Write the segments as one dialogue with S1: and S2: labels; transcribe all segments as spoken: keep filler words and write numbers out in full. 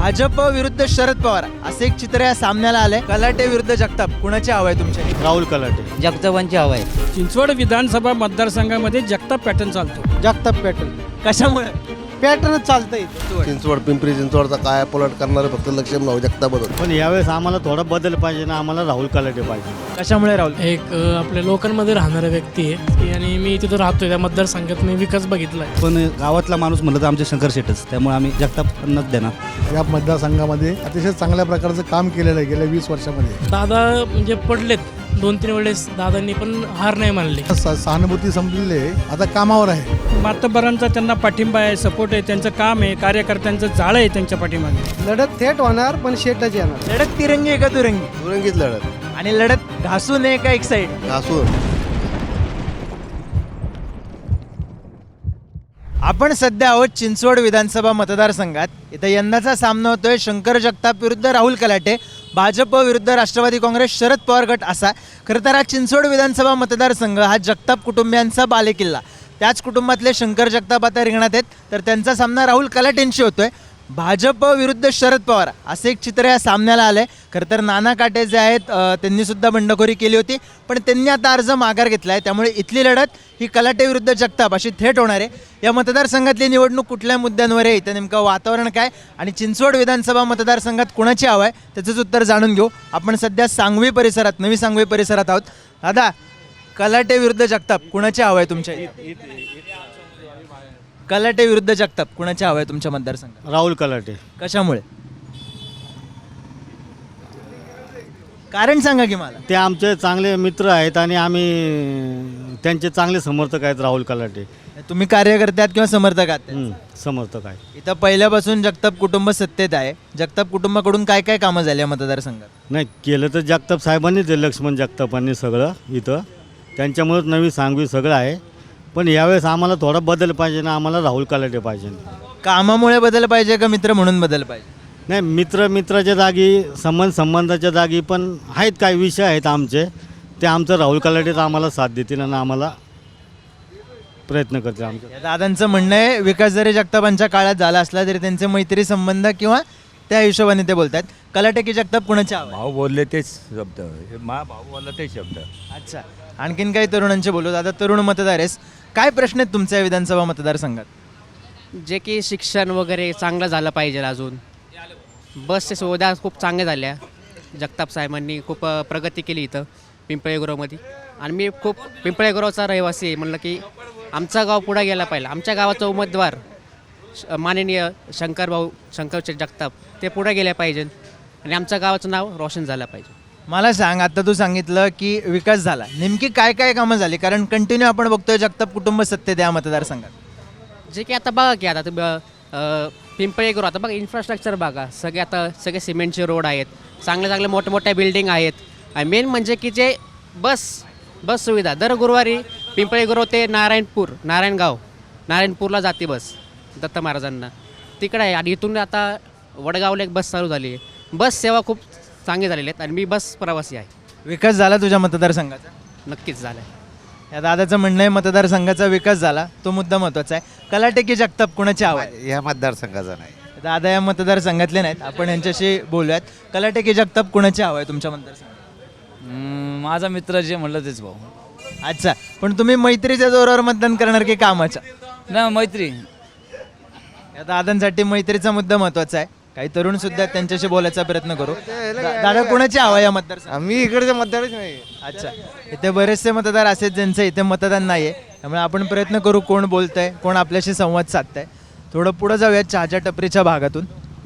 S1: भाजप विरुद्ध शरद पवार असे एक चित्र या सामन्याला आलंय. कलाटे विरुद्ध जगताप, कुणाची हवा आहे तुमच्या?
S2: राहुल कलाटे.
S3: जगतापांची हवा आहे.
S4: चिंचवड विधानसभा मतदारसंघामध्ये जगताप पॅटर्न चालतो.
S5: जगताप पॅटर्न.
S1: कशामुळे?
S5: पॅटर्नच चालतंय.
S6: चिंचवड पिंपरी चिंचवडचा काय पलट करणारे फक्त लक्ष्मण राहू जगतापच.
S2: पण यावेळेस आम्हाला थोडा बदल पाहिजे ना, आम्हाला राहुल कलाटे पाहिजे.
S1: कशामुळे राहुल?
S4: एक अ, आपल्या लोकांमध्ये राहणारा व्यक्ती आहे की आणि मी तिथं राहतोय त्या मतदारसंघात मी विकास बघितला आहे.
S7: पण गावातला माणूस म्हणलं तर आमचे शंकर शेटच, त्यामुळे आम्ही जगतापांनाच देणार.
S5: या मतदारसंघामध्ये अतिशय चांगल्या प्रकारचं काम केलेलं आहे गेल्या वीस वर्षामध्ये.
S4: दादा म्हणजे पडलेत दोन तीन वेळेस, दादांनी पण हार नाही मानली.
S5: स- सहानुभूती संपलेली आहे, आता कामावर आहे.
S4: मातब्बरांचा त्यांना पाठिंबा आहे, सपोर्ट आहे, त्यांचं काम आहे, कार्यकर्त्यांचं जाळं आहे त्यांच्या पाठीमागे.
S5: लढत थेट होणार पण शेटच येणार.
S1: लढत तिरंगी आहे का दुरंगी?
S6: दुरंगीच लढत
S1: आणि लढत घासून आहे का एक साईड?
S6: घासून.
S1: आपण सध्या आहोत चिंचवड विधानसभा मतदारसंघात. इथं यंदाचा सामना होतोय शंकर जगताप विरुद्ध राहुल कलाटे, भाजप विरुद्ध राष्ट्रवादी काँग्रेस शरद पवार गट असा. खरं तर हा चिंचवड विधानसभा मतदारसंघ हा जगताप कुटुंबियांचा बालेकिल्ला. त्याच कुटुंबातले शंकर जगताप आता रिंगणात आहेत, तर त्यांचा सामना राहुल कलाटेंशी होतोय. भाजप विरुद्ध शरद पवार असे एक चित्र या सामन्याला आलंय. खरं तर नाना काटे जे आहेत अ, त्यांनी सुद्धा बंडखोरी केली होती, पण त्यांनी आता अर्ज माघार घेतला आहे. त्यामुळे इथली लढत ही कलाटे विरुद्ध जगताप अशी थेट होणार आहे. या मतदारसंघातली निवडणूक कुठल्या मुद्द्यांवर आहे, इथं नेमकं वातावरण काय आणि चिंचवड विधानसभा मतदारसंघात कुणाची हवा आहे त्याचंच उत्तर जाणून घेऊ. आपण सध्या सांगवी परिसरात, नवी सांगवी परिसरात आहोत. दादा, कलाटे विरुद्ध जगताप कुणाची हवा आहे तुमच्या? कलाटे विरुद्ध जगताप कुणाची हवा आहे तुमच्या मतदारसंघात?
S2: राहुल कलाटे.
S1: कशामुळे? कारण सांगा की मला.
S2: ते आमचे चांगले मित्र आहेत आणि आम्ही त्यांचे चांगले समर्थक आहेत. राहुल कलाटे
S1: तुम्ही कार्यकर्ते आहात किंवा समर्थक आहात?
S2: हं, समर्थक आहेत.
S1: इथं पहिल्यापासून जगताप कुटुंब सत्तेत आहे. जगताप कुटुंबाकडून काय काय कामं झाली या मतदारसंघात?
S2: नाही केलं तर जगताप साहेबांनीच आहे, लक्ष्मण जगतापांनी सगळं इथं. त्यांच्यामुळेच नवी सांगवी सगळं आहे. पण यावेळेस आम्हाला थोडा बदल पाहिजे ना, आम्हाला राहुल कलाटे पाहिजे.
S1: कामामुळे बदल पाहिजे का मित्र म्हणून बदल पाहिजे?
S2: नाही, मित्र मित्राच्या जागी, संबंध संबंधाच्या जागी पण आहेत काही विषय आहेत आमचे, ते आमचं राहुल कलाटेच आम्हाला साथ देतील आणि आम्हाला प्रयत्न करतील आमचे.
S1: या दादांचं म्हणणं आहे विकास जरी जगतापांच्या काळात झाला असला तरी त्यांचे मैत्री संबंध किंवा त्या हिशोबाने ते बोलतात. कलाटे की जगताप कुणाच्या हवा आहे?
S8: भाऊ बोलले तेच शब्द, हे मा भाऊ बोलला तेच शब्द.
S1: अच्छा, आणखीन काही तरुणांचे बोलू. दादा, तरुण मतदार आहेस, काय प्रश्न आहेत तुमच्या या विधानसभा मतदारसंघात?
S9: जे की शिक्षण वगैरे चांगलं झालं पाहिजे. अजून बसच्या सुविधा खूप चांगल्या झाल्या. जगताप साहेबांनी खूप अ, प्रगती केली इथं पिंपळेगुरावमध्ये. आणि मी खूप पिंपळेगुरावचा रहिवासी आहे, म्हणलं की आमचा गाव पुढे गेला पाहिजे. आमच्या गावाचा उमेदवार श- माननीय शंकरभाऊ शंकर जगताप ते पुढे गेले पाहिजे आणि आमच्या गावाचं नाव रोशन झालं पाहिजे.
S1: मला सांग, आता तू सांगितलं की विकास झाला, नेमकी काय काय कामं झाली? कारण कंटिन्यू आपण बघतोय जगताप कुटुंब सत्तेत या मतदारसंघात.
S9: जे की आता बघा की आता तुम्ही अ, पिंपळेगुरू आता बघा इन्फ्रास्ट्रक्चर बघा, सगळे आता सगळे सिमेंटचे रोड आहेत, चांगले चांगले मोठ्या मोठ्या बिल्डिंग आहेत. आणि मेन म्हणजे की जे बस बस सुविधा दर गुरुवारी पिंपळेगुरू ते नारायणपूर नारायणगाव नारायणपूरला जाते बस दत्त महाराजांना तिकडे आहे. आणि इथून आता वडगावला एक बस चालू झाली आहे. बस सेवा खूप चांगली झालेली आहेत आणि मी बस प्रवासी आहे.
S1: विकास झाला तुझ्या मतदारसंघाचा?
S9: नक्कीच झालं आहे.
S1: या दादाचं म्हणणं आहे मतदारसंघाचा विकास झाला, तो मुद्दा महत्त्वाचा आहे. कलाटे की जगताप कुणाची हवा आहे?
S6: या मतदारसंघाचा नाही.
S1: दादा या मतदारसंघातले नाहीत, आपण यांच्याशी बोलूयात. कलाटे की जगताप कुणाची हवा आहे तुमच्या मतदारसंघात?
S3: माझा मित्र जे म्हणलं तेच भाऊ.
S1: अच्छा, पण तुम्ही मैत्रीच्या जोरावर मतदान करणार की कामाच्या?
S3: ना मैत्री.
S1: या दादांसाठी मैत्रीचा मुद्दा महत्त्वाचा आहे. काही तरुण सुद्धा त्यांच्याशी बोलायचा प्रयत्न करू. दा- दादा, कुणाची हवा आहे या मतदारसंघात?
S6: आम्ही इकडच्या मतदारच नाही.
S1: अच्छा, इथे बरेचसे मतदार असे ज्यांचं इथे मतदान नाही आहे, त्यामुळे आपण प्रयत्न करू कोण बोलतंय, कोण आपल्याशी संवाद साधतंय. थोडं पुढं जाऊयात चहाच्या टपरीच्या भागातून.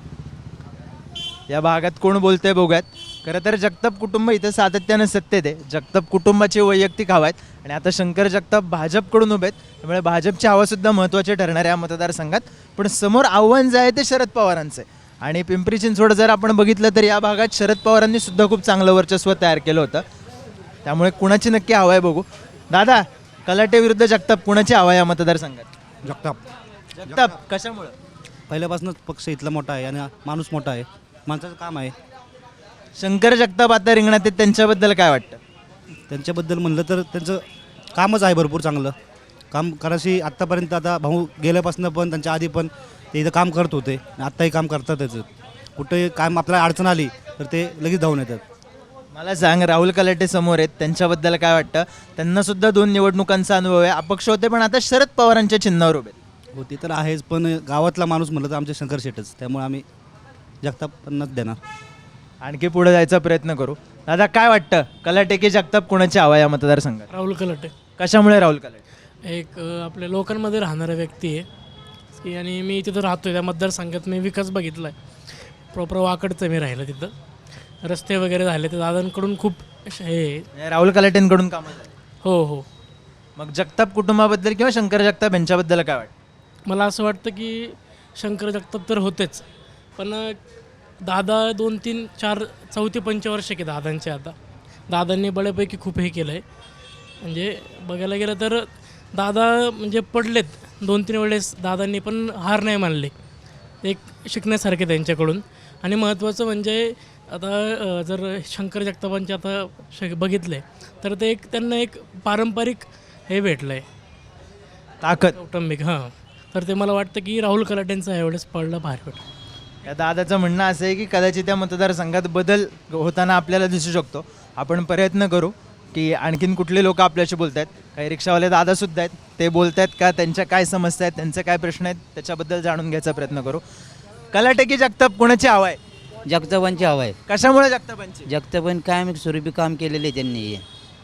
S1: या भागात कोण बोलतंय बघूयात. खरं तर जगताप कुटुंब इथं सातत्यानं सत्तेत आहे. जगताप कुटुंबाची वैयक्तिक हवा आहेत आणि आता शंकर जगताप भाजपकडून उभे आहेत, त्यामुळे भाजपची हवासुद्धा महत्त्वाची ठरणार आहे या मतदारसंघात. पण समोर आव्हान जे आहे ते शरद पवारांचं आहे. आणि पिंपरी चिंचवड जर आपण बघितलं तर या भागात शरद पवारांनी सुद्धा खूप चांगलं वर्चस्व तयार केलं होतं. त्यामुळे कुणाची नक्की हवा आहे बघू. दादा, कलाटे विरुद्ध जगताप कुणाची हवा आहे या मतदारसंघात?
S7: जगताप.
S1: जगताप कशामुळं?
S7: पहिल्यापासूनच पक्ष इथला मोठा आहे आणि माणूस मोठा आहे, माणसाचं काम आहे.
S1: शंकर जगताप आता रिंगणात आहेत, त्यांच्याबद्दल काय वाटतं?
S7: त्यांच्याबद्दल म्हणलं तर त्यांचं कामच आहे भरपूर चांगलं काम करायची. आत्तापर्यंत आता भाऊ गेल्यापासून पण त्यांच्या आधी पण ते इथं काम करत होते, आत्ताही काम करतात त्याचं. कुठे काम आपल्याला अडचण आली तर ते लगेच धावून येतात.
S1: मला सांग, राहुल कलाटे समोर आहेत, त्यांच्याबद्दल काय वाटतं? त्यांना सुद्धा दोन निवडणुकांचा अनुभव आहे, अपक्ष होते पण आता शरद पवारांच्या चिन्हावर उभे आहेत.
S7: हो ते तर आहेच, पण गावातला माणूस म्हटलं तर आमचे शंकर शेटच, त्यामुळे आम्ही जगतापांनाच देणार.
S1: आणखी पुढे जायचा प्रयत्न करू. दादा काय वाटतं, कलाटे की जगताप कुणाची हवा या मतदारसंघात?
S4: राहुल कलाटे
S1: कशामुळे राहुल कलाटे?
S4: एक अ, आपल्या लोकांमध्ये राहणारा व्यक्ती आहे की आणि मी तिथं राहतो त्या मतदारसंघात मी विकास बघितला आहे. प्रॉपर वाकडचं मी राहिलं तिथं, रस्ते वगैरे झाले तर दादांकडून खूप अशे हे
S1: राहुल कलाटेंकडून कामं झाली.
S4: हो हो
S1: मग जगताप कुटुंबाबद्दल किंवा शंकर जगताप यांच्याबद्दल काय वाटतं?
S4: मला असं वाटतं की शंकर जगताप तर होतेच, पण दादा दोन तीन चार चौथी पंचवर्षिक आहे दादांचे. आता दादांनी बऱ्यापैकी खूप हे केलं आहे, म्हणजे बघायला गेलं तर दादा म्हणजे पडलेत दोन तीन वेळेस दादांनी, पण हार नाही मानले. एक शिकण्यासारखे त्यांच्याकडून. आणि महत्त्वाचं म्हणजे आता अ, जर शंकर जगतापांचे आता श बघितले तर ते एक त्यांना एक पारंपरिक हे भेटलं आहे,
S1: ताकद.
S4: कौटुंबिक. हां, तर ते मला वाटतं की राहुल कलाटेंचा यावेळेस पडला बाहेर भेटला.
S1: या दादाचं म्हणणं असं आहे की कदाचित त्या मतदारसंघात बदल होताना आपल्याला दिसू शकतो. आपण प्रयत्न करू की आणखीन कुठले लोक आपल्याशी बोलत आहेत. काही रिक्षावाले दादासुद्धा आहेत, ते बोलत आहेत का, त्यांच्या काय समस्या आहेत, त्यांचे काय प्रश्न आहेत त्याच्याबद्दल जाणून घ्यायचा प्रयत्न करू. कलाटे की जगताप कुणाची हवा आहे?
S3: जगतापांची हवा आहे.
S1: कशामुळे जगतापांची?
S3: जगतापांनी कायम एक स्वरूपी काम केलेले त्यांनी.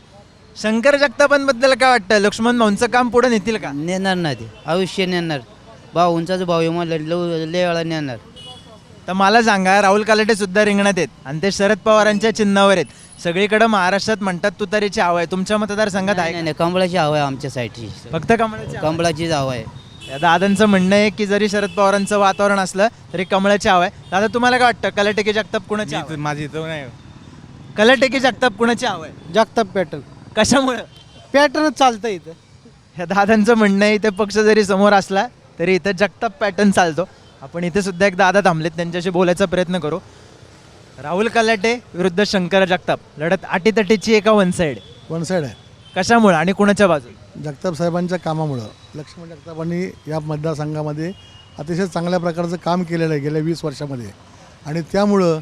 S1: शंकर जगतापांबद्दल काय वाटतं? लक्ष्मण भाऊंचं काम पुढे नेतील का?
S3: नेणार ना ते, आयुष्य नेणार. भाऊंचाच भाऊ आहे मला लव लय वेळा नेणार.
S1: तर मला सांगा, राहुल कलाटे सुद्धा रिंगणात आहेत आणि ते शरद पवारांच्या चिन्हावर आहेत. सगळीकडे महाराष्ट्रात म्हणतात तुतारीची हवा आहे, तुमच्या मतदारसंघात आहे
S3: नाही
S1: का?
S3: नाही, कमळाची हवा आहे आमच्या साईडची.
S1: फक्त कमळाची हवा आहे?
S3: कमळाचीच हवा आहे.
S1: या दादांचं म्हणणं आहे की जरी शरद पवारांचं वातावरण असलं तरी कमळाची हवा आहे. दादा तुम्हाला काय वाटतं, कलाटे की जगताप कुणाची हवा आहे?
S8: माझी तो नाही
S1: कलाटे की जगताप कुणाची हवा आहे?
S2: जगताप पॅटर्न
S1: कशामुळं?
S2: पॅटर्नच चालतं इथं.
S1: ह्या दादांचं म्हणणं आहे इथे पक्ष जरी समोर असला तरी इथं जगताप पॅटर्न चालतो. आपण इथे सुद्धा एक दादा थांबलेत, त्यांच्याशी बोलायचा प्रयत्न करू. राहुल कलाटे विरुद्ध शंकर जगताप, लढत अटीतटीची एका वन साईड.
S5: वन साईड आहे.
S1: कशामुळं आणि कुणाच्या बाजूला?
S5: जगताप साहेबांच्या कामामुळं लक्ष्मण जगतापांनी या मतदारसंघामध्ये अतिशय चांगल्या प्रकारचं काम केलेलं आहे गेल्या वीस वर्षामध्ये, आणि त्यामुळं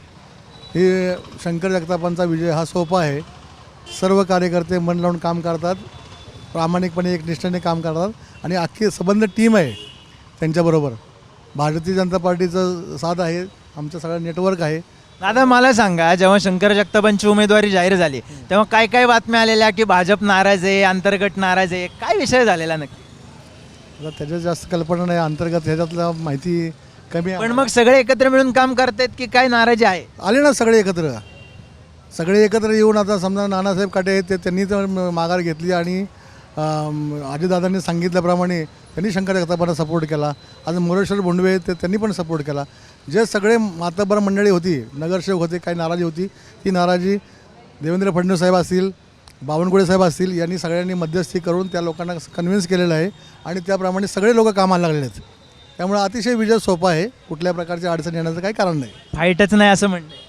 S5: हे शंकर जगतापांचा विजय हा सोपा आहे. सर्व कार्यकर्ते मन लावून काम करतात, प्रामाणिकपणे एकनिष्ठेने काम करतात आणि अख्खी संबंध टीम आहे त्यांच्याबरोबर. भारतीय जनता पार्टीचं साथ आहे, आमचं सगळं नेटवर्क आहे.
S1: दादा मला सांगा, जेव्हा शंकर जगतापांची उमेदवारी जाहीर झाली तेव्हा काय काय बातम्या आलेल्या की भाजप नाराज आहे, अंतर्गत नाराज आहे, काय विषय झालेला नक्की?
S5: आता त्याच्यात जास्त कल्पना नाही, अंतर्गत ह्याच्यातलं माहिती कमी आहे.
S1: पण मग सगळे एकत्र मिळून काम करतायत की काय नाराजी आहे?
S5: आले ना सगळे एकत्र, सगळे एकत्र येऊन आता समजा नानासाहेब काटे आहेत ते त्यांनी तर माघार घेतली आणि अजितदादांनी सांगितल्याप्रमाणे त्यांनी शंकर जगतापांना सपोर्ट केला. आज मोरेश्वर बोंडवे ते त्यांनी पण सपोर्ट केला. जे सगळे मातब्बर मंडळी होती, नगरसेवक होते, काही नाराजी होती, ती नाराजी देवेंद्र फडणवीस साहेब असतील, बावनकुळे साहेब असतील, यांनी सगळ्यांनी मध्यस्थी करून त्या लोकांना कन्व्हिन्स केलेलं आहे आणि त्याप्रमाणे सगळे लोक कामाला लागलेले आहेत. त्यामुळे अतिशय विजय सोपा आहे, कुठल्या प्रकारची अडचण येण्याचं काही कारण नाही.
S1: फाईटच नाही असं म्हणणं.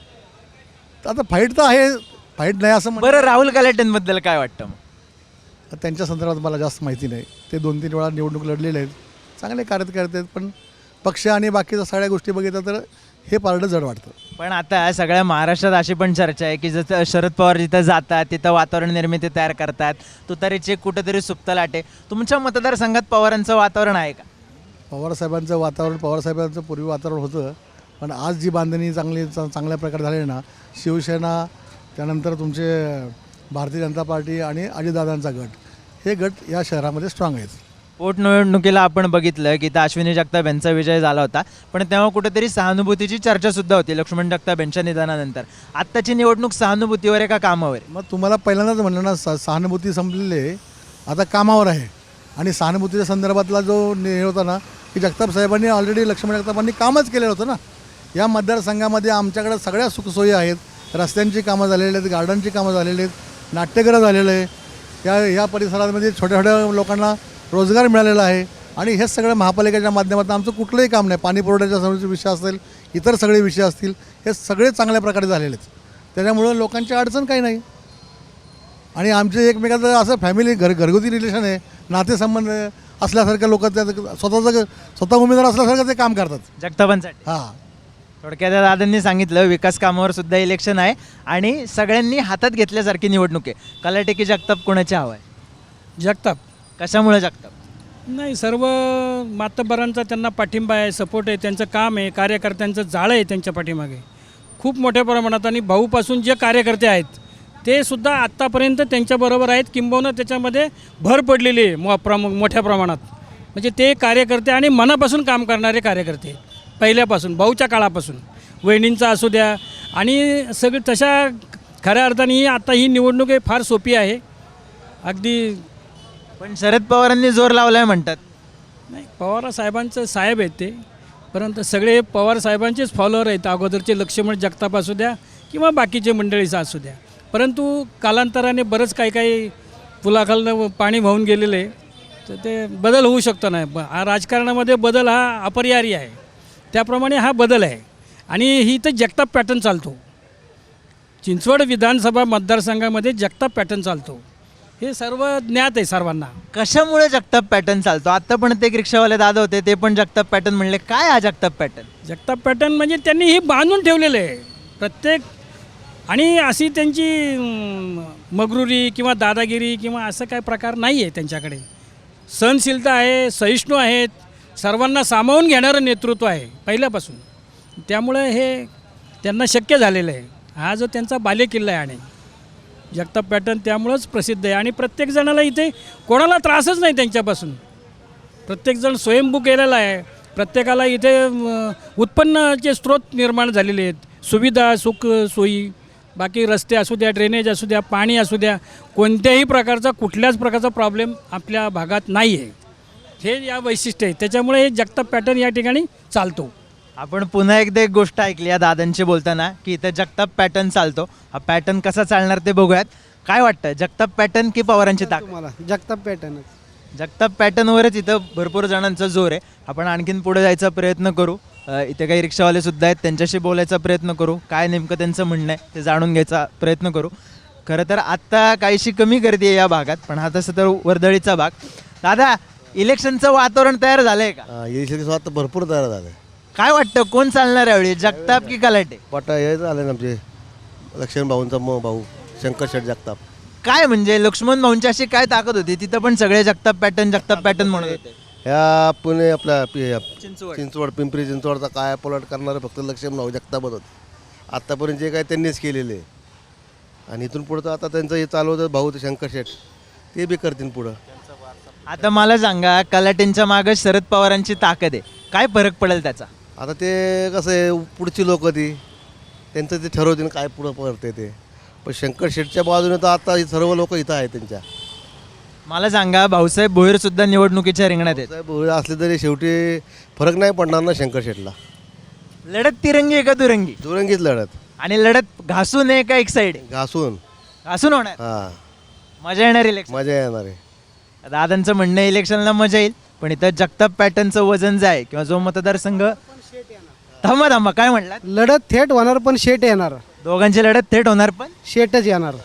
S5: आता फाईट तर आहे, फाईट नाही असं म्हण-
S1: बरं, राहुल कलाटेंबद्दल काय वाटतं मग?
S5: त्यांच्या संदर्भात मला जास्त माहिती नाही. ते दोन तीन वेळा निवडणूक लढलेले आहेत, चांगले कार्यकर्ते आहेत, पण पक्ष आणि बाकीच्या सगळ्या गोष्टी बघितल्या तर हे पारडं जड वाटतं.
S1: पण आता सगळ्या महाराष्ट्रात अशी पण चर्चा आहे की जसं शरद पवार जिथं जातात तिथं वातावरण निर्मिती तयार करतात, तुतारीचे कुठेतरी सुप्त लाटे. तुमच्या मतदारसंघात पवारांचं वातावरण आहे का?
S5: पवारसाहेबांचं वातावरण पवारसाहेबांचं पूर्वी वातावरण होतं, पण आज जी बांधणी चांगली चा- चांगल्या प्रकारे झाली ना, शिवसेना, त्यानंतर तुमचे भारतीय जनता पार्टी आणि अजितदादांचा गट, हे गट या शहरामध्ये स्ट्रॉंग आहेत.
S1: पोटनिवडणुकीला आपण बघितलं की इथं अश्विनी जगताप यांचा विजय झाला होता, पण तेव्हा कुठेतरी सहानुभूतीची चर्चा सुद्धा होती लक्ष्मण जगताप यांच्या निधनानंतर. आत्ताची निवडणूक सहानुभूतीवर आहे का कामावर आहे?
S5: मग तुम्हाला पहिल्यांदाच म्हणलं ना, स सहानुभूती संपलेली आहे, आता कामावर आहे. आणि सहानुभूतीच्या संदर्भातला जो नि- हे होता ना, की जगताप साहेबांनी ऑलरेडी लक्ष्मण जगतापांनी कामच केलेलं होतं ना. या मतदारसंघामध्ये आमच्याकडे सगळ्या सुखसोयी आहेत, रस्त्यांची कामं झालेली आहेत, गार्डनची कामं झालेली आहेत, नाट्यगृह झालेलं आहे, या या परिसरामध्ये छोट्या छोट्या लोकांना रोजगार मिळालेला आहे. आणि हे सगळं महापालिकेच्या माध्यमातून आमचं कुठलंही काम नाही, पाणी पुरवठ्याच्या समोरचे विषय असेल, इतर सगळे विषय असतील, हे सगळे चांगल्या प्रकारे झालेले आहेत. त्याच्यामुळं लोकांची अडचण काही नाही. आणि आमचे एकमेकाचं असं फॅमिली घर घरगुती रिलेशन आहे, नातेसंबंध असल्यासारखं लोक त्या स्वतःचं स्वतः उमेदवार असल्यासारखं ते काम करतात.
S1: जगतापांसाठी
S5: हां,
S1: थोडक्यात या दादांनी सांगितलं विकास कामावर सुद्धा इलेक्शन आहे आणि सगळ्यांनी हातात घेतल्यासारखी निवडणूक आहे. कलाटे की जगताप कोणाची हवा आहे?
S10: जगताप.
S1: कशामुळे जगताप?
S10: नाही, सर्व मातब्बरांचा त्यांना पाठिंबा आहे, सपोर्ट आहे, त्यांचं काम आहे, कार्यकर्त्यांचं जाळं आहे त्यांच्या पाठीमागे खूप मोठ्या प्रमाणात. आणि भाऊपासून जे कार्यकर्ते आहेत ते सुद्धा आत्तापर्यंत त्यांच्याबरोबर आहेत, किंबहुना त्याच्यामध्ये भर पडलेली आहे मो प्रम मोठ्या प्रमाणात. म्हणजे ते कार्यकर्ते आणि मनापासून काम करणारे कार्यकर्ते पहिल्यापासून, भाऊच्या काळापासून, वहिनींचा असू द्या. आणि सगळे तशा खऱ्या अर्थाने ही आता ही निवडणूक आहे फार सोपी आहे अगदी.
S1: पण शरद पवारांनी जोर लावलाय म्हणतात.
S10: नाही, पवार साहेबांचं साहेब आहेत ते, परंतु सगळे पवार साहेबांचेच फॉलोअर आहेत. अगोदरचे लक्ष्मण जगताप असू द्या किंवा बाकीचे मंडळीचा असू द्या. परंतु कालांतराने बरंच काही काही पुलाखालनं पाणी वाहून गेलेलं आहे, तर ते बदल होऊ शकतो नाही. ब हा राजकारणामध्ये बदल हा अपरिहार्य आहे, त्याप्रमाणे हा बदल आहे. आणि ही तर जगताप पॅटर्न चालतो. चिंचवड विधानसभा मतदारसंघामध्ये जगताप पॅटर्न चालतो, हे सर्व ज्ञात आहे सर्वांना.
S1: कशामुळे जगताप पॅटर्न चालतो? आता पण ते एक रिक्षावाले दादा होते, ते पण जगताप पॅटर्न म्हणले. काय हा जगताप पॅटर्न?
S10: जगताप पॅटर्न म्हणजे त्यांनी ही बांधून ठेवलेलं आहे प्रत्येक. आणि अशी त्यांची अं, मगरुरी किंवा दादागिरी किंवा असं काय प्रकार नाही आहे त्यांच्याकडे. सहनशीलता आहे, सहिष्णू आहेत, सर्वांना सामावून घेणारं नेतृत्व आहे पहिल्यापासून. त्यामुळे हे त्यांना शक्य झालेलं आहे. हा जो त्यांचा बालेकिल्ला आहे आणि जगताप पॅटर्न त्यामुळंच प्रसिद्ध आहे. आणि प्रत्येकजणाला इथे कोणाला त्रासच नाही त्यांच्यापासून. प्रत्येकजण स्वयंभू केलेला आहे. प्रत्येकाला इथे अं, उत्पन्नाचे स्रोत निर्माण झालेले आहेत. सुविधा, सुख सोयी, बाकी रस्ते असू द्या, ड्रेनेज असू द्या, पाणी असू द्या, कोणत्याही प्रकारचा कुठल्याच प्रकारचा प्रॉब्लेम आपल्या भागात नाही आहे. हे या वैशिष्ट्य आहे, त्याच्यामुळे हे जगताप पॅटर्न या ठिकाणी चालतो.
S1: आपण पुन्हा एकदा एक गोष्ट ऐकली या दादांची बोलताना की इथं जगताप पॅटर्न चालतो. हा पॅटर्न कसा चालणार ते बघूयात. काय वाटतं, जगताप पॅटर्न की पवारांची ताकद?
S11: तुम्हाला जगताप पॅटर्नच.
S1: जगताप पॅटर्नवरच इथं भरपूर जणांचा जोर आहे. आपण आणखीन पुढे जायचा प्रयत्न करू. अ, इथे काही रिक्षावाले सुद्धा आहेत, त्यांच्याशी बोलायचा प्रयत्न करू. काय नेमकं त्यांचं म्हणणं आहे ते जाणून घ्यायचा प्रयत्न करू. खरं तर आत्ता काहीशी कमी गर्दी आहे या भागात, पण हा तसं तर वर्दळीचा भाग. दादा, इलेक्शनचं वातावरण तयार झालंय का?
S6: इलेक्शन आता भरपूर तयार झालं.
S1: काय वाटतं, कोण चालणार यावेळी, जगताप की कलाटे?
S6: पटा हे झालं ना आमचे लक्ष्मण भाऊंचा मग भाऊ शंकर शेठ जगताप.
S1: काय म्हणजे लक्ष्मण भाऊंची अशी काय ताकद होती? तिथं पण सगळे जगताप पॅटर्न जगताप पॅटर्न म्हणत होते.
S6: ह्या पुणे आपल्या पि-
S1: चिंचवड.
S6: चिंचवड पिंपरी चिंचवडचा काय पलट करणारे फक्त लक्ष्मण भाऊ जगतापच होते. आत्तापर्यंत जे काय त्यांनीच केलेले आहे. आणि इथून पुढं तर आता त्यांचं हे चालू होतं भाऊ शंकर शेठ, ते बी करतील पुढं.
S1: आता मला सांगा, कलाटेंच्या मागं शरद पवारांची ताकद आहे, काय फरक पडेल त्याचा?
S6: आता ते कसं आहे, पुढची लोक ती त्यांचं ते ठरवतील काय पुढं पडते ते. पण शंकर शेठच्या बाजूने तर आता ही सर्व लोक इथं आहेत त्यांच्या.
S1: मला सांगा, भाऊसाहेब भोईर सुद्धा निवडणुकीच्या रिंगणात आहेत.
S6: साहेब भोळे असले तरी शेवटी फरक नाही पडणार ना शंकर शेठला.
S1: लढत तिरंगी आहे का दुरंगी?
S6: दुरंगीच लढत.
S1: आणि लढत घासून आहे का एक साईड?
S6: घासून.
S1: घासून होणार.
S6: हां,
S1: मजा येणार इलेक्शन.
S6: मजा येणार आहे.
S1: दादांचं म्हणणं आहे इलेक्शनला मजा येईल, पण इथं जगताप पॅटर्नचं वजन जे आहे किंवा जो मतदारसंघ. थांबा थांबा, काय म्हणलात?
S11: लढत थेट होणार पण शेट येणार.
S1: दोघांची लढत थेट होणार पण
S11: शेटच येणार.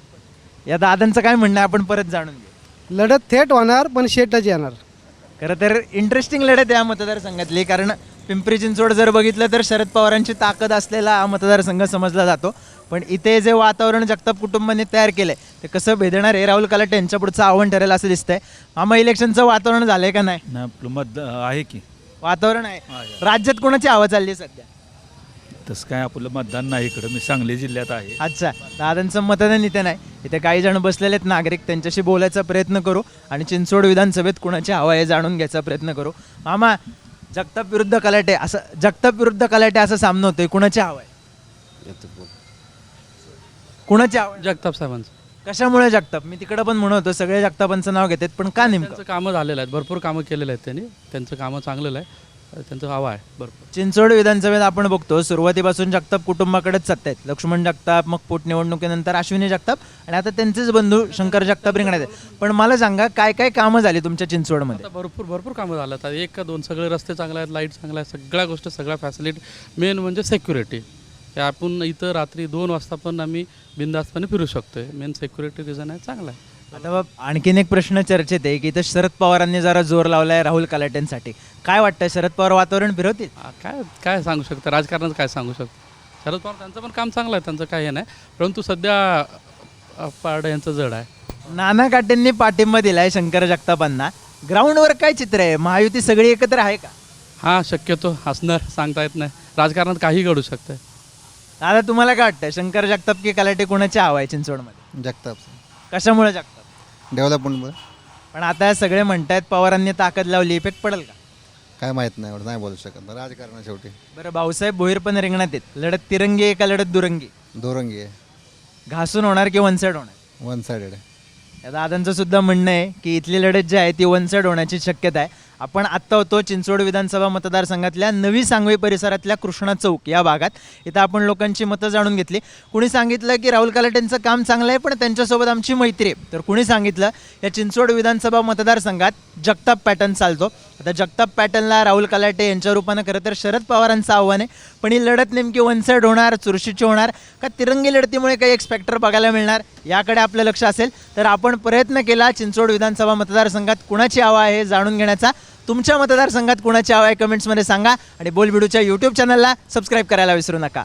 S1: या दादांचं काय म्हणणं आहे आपण परत जाणून घेऊ.
S11: लढत थेट होणार पण शेटच येणार.
S1: खरं तर इंटरेस्टिंग लढत आहे या मतदारसंघातली, कारण पिंपरी चिंचवड जर बघितलं तर शरद पवारांची ताकद असलेला हा मतदारसंघ समजला जातो. पण इथे जे वातावरण जगताप कुटुंबाने तयार केलं आहे ते कसं भेदणार आहे, राहुल कलाटे यांच्या पुढचं आव्हान ठरेल असं दिसतंय. मामा, इलेक्शनचं वातावरण झालं आहे का नाही?
S8: ना आपलं मत आहे की
S1: वातावरण आहे. राज्यात कोणाची हवा चालली आहे सध्या?
S8: तसं काय आपलं मतदान नाही इकडं. मी सांगली जिल्ह्यात आहे.
S1: अच्छा, दादांचं मतदान इथे नाही. इथे काही जण बसलेले आहेत नागरिक, त्यांच्याशी बोलायचा प्रयत्न करू आणि चिंचवड विधानसभेत कुणाची हवा आहे जाणून घ्यायचा प्रयत्न करू. मामा, जगताप विरुद्ध कलाटे असं जगताप विरुद्ध कलाटे असं सामना होतोय, कुणाची हवा आहे? कुणाची हवा आहे?
S10: जगताप साहेबांचं
S1: कशामुळे जगताप? मी तिकडं पण म्हणत होतो सगळे जगतापांचं नाव घेतात, पण का नेमकं?
S10: त्यांचं कामं झालेलं आहेत, भरपूर कामं केलेलं आहेत त्यांनी. त्यांचं कामं चांगलेलं आहे, त्यांचं हवा आहे भरपूर.
S1: चिंचवड विधानसभेत आपण बघतो सुरुवातीपासून जगताप कुटुंबाकडेच सत्ता आहेत. लक्ष्मण जगताप, मग पोटनिवडणुकीनंतर अश्विनी जगताप आणि आता त्यांचेच बंधू शंकर जगताप रिंगणात आहेत. पण मला सांगा, काय काय कामं झाली तुमच्या चिंचवडमध्ये?
S10: आता भरपूर भरपूर कामं झालं. आता एक का दोन, सगळे रस्ते चांगले आहेत, लाईट चांगला आहे, सगळ्या गोष्टी, सगळ्या फॅसिलिटी. मेन म्हणजे सेक्युरिटी. हे आपण इथं रात्री दोन वाजता पण आम्ही बिनधास्तपणे फिरू शकतो आहे. मेन सेक्युरिटी रिझन आहे, चांगला आहे.
S1: आता बाब आणखीन एक प्रश्न चर्चेत आहे की इथं शरद पवारांनी जरा जोर लावलाय राहुल कलाटेंसाठी. काय वाटतं, शरद पवार वातावरण फिरवतील?
S12: आ, काय काय सांगू शकतं, राजकारणाचं काय सांगू शकतं. शरद पवार त्यांचं पण काम चांगलं आहे, त्यांचं काय हे नाही, परंतु सध्या अ, पारडं यांचं जड आहे.
S1: नाना काटेंनी पाठिंबा दिलाय शंकर जगतापांना. ग्राउंडवर काय चित्र आहे, महायुती सगळी एकत्र आहे का?
S12: हां, शक्यतो असणार, सांगता येत नाही, राजकारणात काही घडू शकतं.
S1: दादा तुम्हाला काय वाटतं, शंकर जगताप की कलाटे कोणाची हवा आहे चिंचवडमध्ये?
S6: जगताप
S1: कशामुळे जगताप?
S6: डेव्हलपमेंटमुळे
S1: पण आता सगळे म्हणतायत पवारांनी ताकद लावली, इफेक्ट पडेल का?
S6: काय माहीत नाही, एवढं नाही बोलू शकत, राजकारण शेवटी
S1: बरं, भाऊसाहेब भोईर पण रिंगणात आहेत. लढत तिरंगी आहे का लढत दुरंगी?
S6: दोरंगी आहे,
S1: घासून होणार की वन साईड होणार?
S6: वन साइडेड आहे.
S1: या दादांचं सुद्धा म्हणणं आहे की इथली लढत जी आहे ती वन साईड होण्याची शक्यता आहे. आपण आत्ता होतो चिंचवड विधानसभा मतदारसंघातल्या नवी सांगवी परिसरातल्या कृष्णा चौक या भागात. इथं आपण लोकांची मतं जाणून घेतली. कुणी सांगितलं की राहुल कलाटेंचं काम चांगलं आहे पण त्यांच्यासोबत आमची मैत्री आहे, तर कुणी सांगितलं या चिंचवड विधानसभा मतदारसंघात जगताप पॅटर्न चालतो. आता जगताप पॅटर्नला राहुल कलाटे यांच्या रूपानं खरं तर शरद पवारांचं आव्हान आहे. पण ही लढत नेमकी वन साईड होणार, चुरशीची होणार का तिरंगी लढतीमुळे काही एक स्पेक्टर बघायला मिळणार, याकडे आपलं लक्ष असेल तर आपण प्रयत्न केला चिंचवड विधानसभा मतदारसंघात कुणाची हवा आहे जाणून घेण्याचा. तुमच्या मतदारसंघात कुणाची हवा आहे कमेंट्समध्ये सांगा आणि बोलबिडूच्या यूट्यूब चॅनलला सबस्क्राईब करायला विसरू नका.